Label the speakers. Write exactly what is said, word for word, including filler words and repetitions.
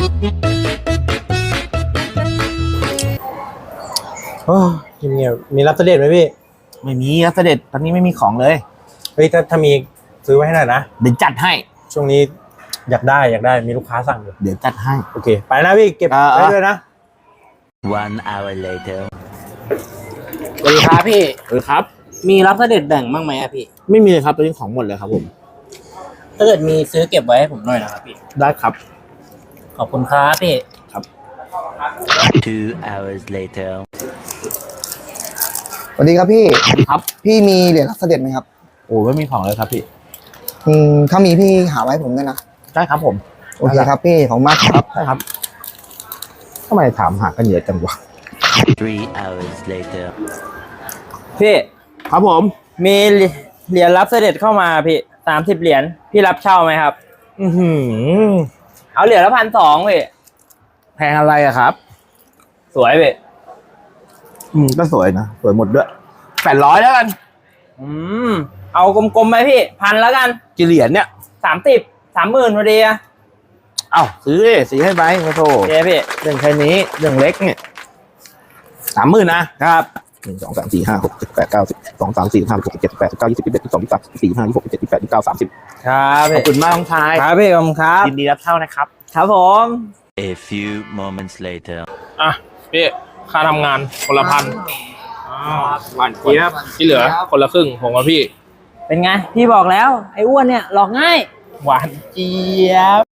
Speaker 1: โอ้ยเงียบๆมีรับเสด็จไหมพี่
Speaker 2: ไม่มีครับเสด็จตอนนี้ไม่มีของเลย
Speaker 1: เฮ้ยถ้าถ้ามีซื้อไว้ให้หน่อยนะ
Speaker 2: เดี๋ยวจัดให้
Speaker 1: ช่วงนี้อยากได้อยากได้มีลูกค้าสั่งอยู่
Speaker 2: เดี๋ยวจัดให้
Speaker 1: โอเคไปนะพี่เก็บไว้ด้วยนะ
Speaker 3: One hour later
Speaker 4: สวัสดีครับพี่
Speaker 2: เออครับ
Speaker 4: มีรับเสด็จแบ่งบ้างไหมอะพี่
Speaker 2: ไม่มีเลยครับตอนนี้ของหมดเลยครับผม
Speaker 4: ถ้าเกิดมีซื้อเก็บไว้ให้ผมหน่อยนะครับพี่
Speaker 2: ได้ครับ
Speaker 4: ขอบคุณครับพี่
Speaker 2: ครับ
Speaker 3: Two hours later
Speaker 5: สวัสดีครับพี่
Speaker 2: ครับ
Speaker 5: พี่มีเหรียญรับเสด็จไหมครับ
Speaker 2: โอ้ไม่มีของเลยครับพี่
Speaker 5: อืมถ้ามีพี่หาไว้ผมด้วยนะ
Speaker 2: ได้ครับผม
Speaker 5: โอเคครับพี่ขอบคุณมากครับ
Speaker 2: ได้ครับทำไมถามหากันเยอะจังวะ
Speaker 3: Three hours later
Speaker 4: พี่
Speaker 2: ครับผม
Speaker 4: มีเหรียญรับเสด็จเข้ามาพี่สามสิบเหรียญพี่รับเช่าไหมครับ
Speaker 2: อือหือ
Speaker 4: เอาเหรียญละพันสองพี่
Speaker 2: แพงอะไรอะครับ
Speaker 4: สวยพี่
Speaker 2: อืมก็สวยนะสวยหมดด้วยแปดร้อยแล้วกัน
Speaker 4: อืมเอากลมๆไปพี่พันแล้วกัน
Speaker 2: กี่เหรียญเนี่ย
Speaker 4: สามสิบสามหมื่นพอดีอะ
Speaker 2: เอ้าซื้อเลยซื้อให้ไปโอ้โห
Speaker 4: เจ๊พี่
Speaker 2: เรื่องแค่นี้เรื่องเล็กเนี่ยสามหมื่นนะครับหนึ่งสองสามสี่ห้าหกเจ็ดแปดเก้าสิบสองสามสี่ห้าหกเจ็ดแปดเก้ายี่สิบยี่สิบเอ็ดยี่สิบสองยี่สิบสามสี่ห้ายี่สิบหกยี่สิบเจ็ดยี่สิบแปดยี่สิบเก้าสามสิบ
Speaker 4: ครับ
Speaker 2: ขอบคุณมากน้องชาย
Speaker 4: ครับพี่ขอบคุณครับ
Speaker 2: ยินดีรับเช่านะครับ
Speaker 4: ครับผม
Speaker 3: A few moments later
Speaker 6: อ่ะพี่ค่าทำงานคนละพันหวานเจี๊ยบที่เหลือคนละครึ่งผมกับพี่
Speaker 4: เป็นไงพี่บอกแล้วไอ้อ้วนเนี่ยหลอกง่าย
Speaker 6: หวานเจี๊ยบ